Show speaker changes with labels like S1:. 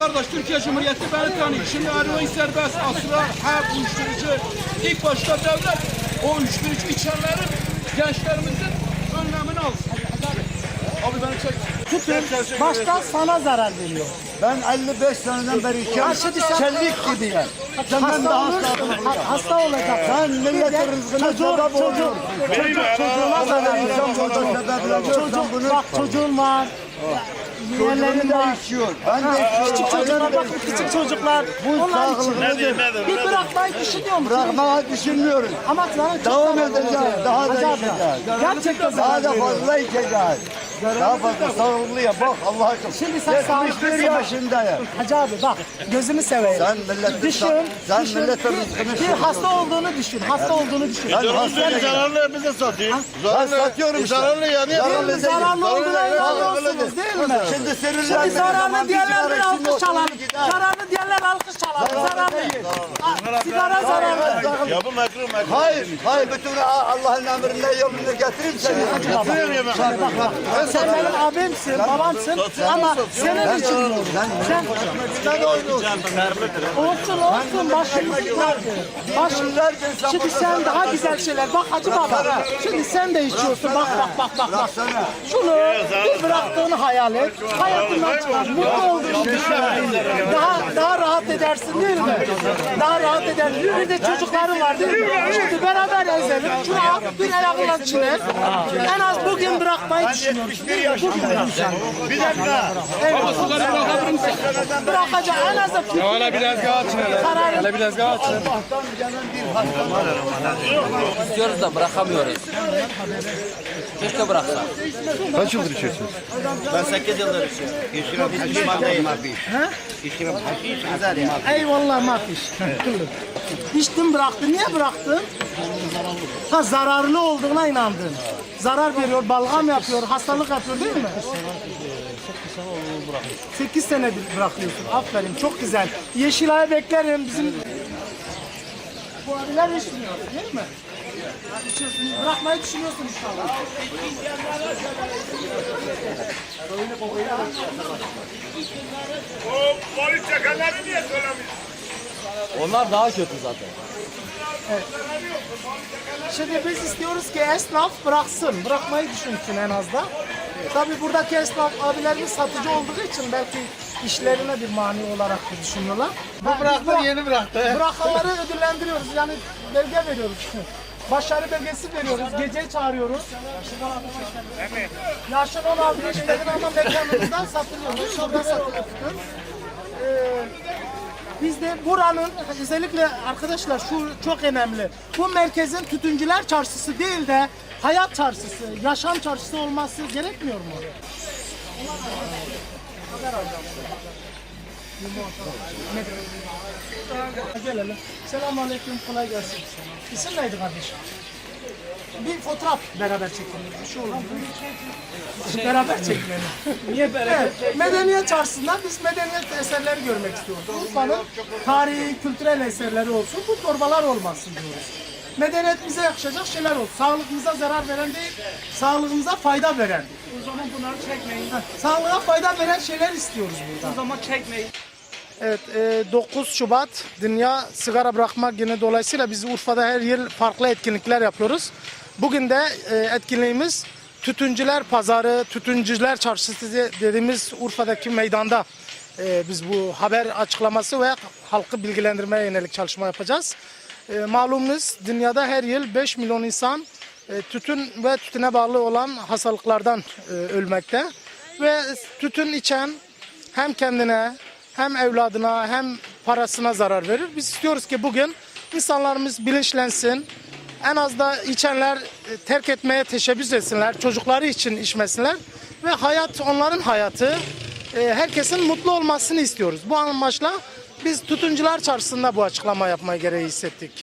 S1: Kardeş, Türkiye Cumhuriyeti beni tanıyor. Şimdi eroin serbest, asra, hep uyuşturucu. İlk başta devlet o uyuşturucu içenlerin, gençlerimizin önlemini alsın. Abi beni çek.
S2: Tutun, başta sana zarar veriyor.
S3: Ben 55 seneden beri çelik gibiyim. Senden daha
S2: Hasta olacak.
S3: Sen milletin rızkına sebep oluyorsun.
S2: Çocuğuna zarar veriyor. Bak çocuğun var. Yeğenlerin
S3: Çocuğunu
S2: var.
S3: da içiyor. Ben de
S2: Küçük çocuklar, bakın küçük çocuklar. Onlar için. Bir bırakmayı düşünüyor musun?
S3: bırakmayı düşünmüyorum.
S2: Ama sana çok
S3: Devam
S2: zarar
S3: edeceğiz.
S2: olacak.
S3: Daha da
S2: Hacı abla,
S3: içeceğiz.
S2: gerçekten
S3: Daha
S2: zarar
S3: da
S2: veriyor.
S3: fazla içeceğiz. Daha fazla sağlıklıya bak Allah aşkına.
S2: Şimdi sen
S3: 71
S2: sağlıklısın.
S3: yaşındayım.
S2: Hacı abi bak gözümü seveyim.
S3: Sen milletin
S2: Düşün.
S3: milletin rızkını
S2: Bir
S3: seviyorsun.
S2: hasta olduğunu düşün. Hasta olduğunu düşün.
S3: Ben hastayım.
S4: Zararlı bize satıyor.
S3: Ben satıyorum işte.
S4: Zararlı yani.
S3: Zararlı değil.
S2: Zararlı olduğuna inanıyorsunuz
S3: değil.
S2: değil mi?
S3: Şimdi sinirlendiğiniz
S2: Şimdi zararlı
S3: zaman
S2: diyenler bir
S3: sigara içinde
S2: alkış çalalım.
S3: oturur gider.
S2: Zararlı diyenler alkış çalalım. Zararlı. Sigara zararlı.
S4: Ya bu mekruh.
S3: Hayır, hayır bütün Allah'ın emrine yolunu getireyim seni.
S2: Sen benim abimsin, babamsın ama senin için diyorum. Sen
S3: Sen oynuyorsun.
S2: olsun başımızın tacı. Şimdi sen daha güzel şeyler. Bak Hacı Baba. Şimdi sen de içiyorsun. Bak. Şunu bir bıraktığını hayal et. Hayatından çıkar. Mutlu olduğunu düşün. Daha rahat edersin değil mi? Daha rahat edersin. Bir de çocukların var değil mi? Şimdi beraber ezelim. Şunu al bir ayağından çiğner. En az bugün bırakmayı düşünüyoruz. Bugün bırakacağım.
S4: Bir dakika.
S2: Evet.
S1: Suları bırakabilir misin?
S2: Bırakacağım. En az da fikir.
S1: Hala biraz daha açın hele. Hala biraz daha açın.
S5: İstiyoruz da bırakamıyoruz. Keşke bıraksak.
S4: Kaç yıldır içiyorsunuz?
S6: Ben 8 yıldır içiyorum. Hiç pişman değilim. İçiyorum. Haşiş güzel ya.
S2: Eyvallah mafiş. İçtin bıraktın. Niye bıraktın? Ha zararlı olduğuna inandın. Zarar veriyor, balgam yapıyor, hastalık yapıyor değil mi? 8 senedir bırakıyorsun. Aferin çok güzel. Yeşilay'ı beklerim. Bizim bu abiler içmiyor değil mi? İçiyorsun, bırakmayı düşünüyorsun inşallah.
S4: O polis çakalları niye söylemiyorsun?
S5: Onlar daha kötü zaten.
S2: Şimdi biz istiyoruz ki esnaf bıraksın, bırakmayı düşünsün en az da. Tabii buradaki esnaf abilerimiz satıcı olduğu için belki işlerine bir mani olarak da düşünüyorlar. Bu bıraktı, yeni bıraktı. Bırakanları ödüllendiriyoruz, yani belge veriyoruz. Başarı belgesi veriyoruz, gece çağırıyoruz. Yaşın 16 yaşındaki ama mekanımızdan satılıyor. Şurada satılıyor. Biz de buranın özellikle arkadaşlar şu çok önemli. Bu merkezin tütüncüler çarşısı değil de hayat çarşısı, yaşam çarşısı olması gerekmiyor mu? Haber alacağım. Gelelim. Selamünaleyküm, kolay gelsin. İsim neydi kardeşim? Bir fotoğraf beraber çekelim. Bir şey olur mu? Beraber çekmeyelim. Niye beraber? Evet, medeniyet çarşısında biz medeniyet eserleri görmek istiyoruz. Urfa'nın tarihi, kültürel eserleri olsun, bu torbalar olmasın diyoruz. Medeniyet bize yakışacak şeyler olsun. Sağlığımıza zarar veren değil, sağlığımıza fayda veren.
S7: O zaman bunları çekmeyin.
S2: Sağlığa fayda veren şeyler istiyoruz burada.
S7: O zaman çekmeyin.
S2: Evet, 9 Şubat Dünya Sigara Bırakma Günü dolayısıyla biz Urfa'da her yıl farklı etkinlikler yapıyoruz. Bugün de etkinliğimiz Tütüncüler Pazarı, Tütüncüler Çarşısı dediğimiz Urfa'daki meydanda biz bu haber açıklaması ve halkı bilgilendirmeye yönelik çalışma yapacağız. Malumunuz dünyada her yıl 5 milyon insan tütün ve tütüne bağlı olan hastalıklardan ölmekte. Ve tütün içen hem kendine hem evladına hem parasına zarar verir. Biz istiyoruz ki bugün insanlarımız bilinçlensin. En az da içenler terk etmeye teşebbüs etsinler. Çocukları için içmesinler. Ve hayat onların hayatı. Herkesin mutlu olmasını istiyoruz. Bu amaçla biz Tütüncüler Çarşısı'nda bu açıklama yapmayı gereği hissettik.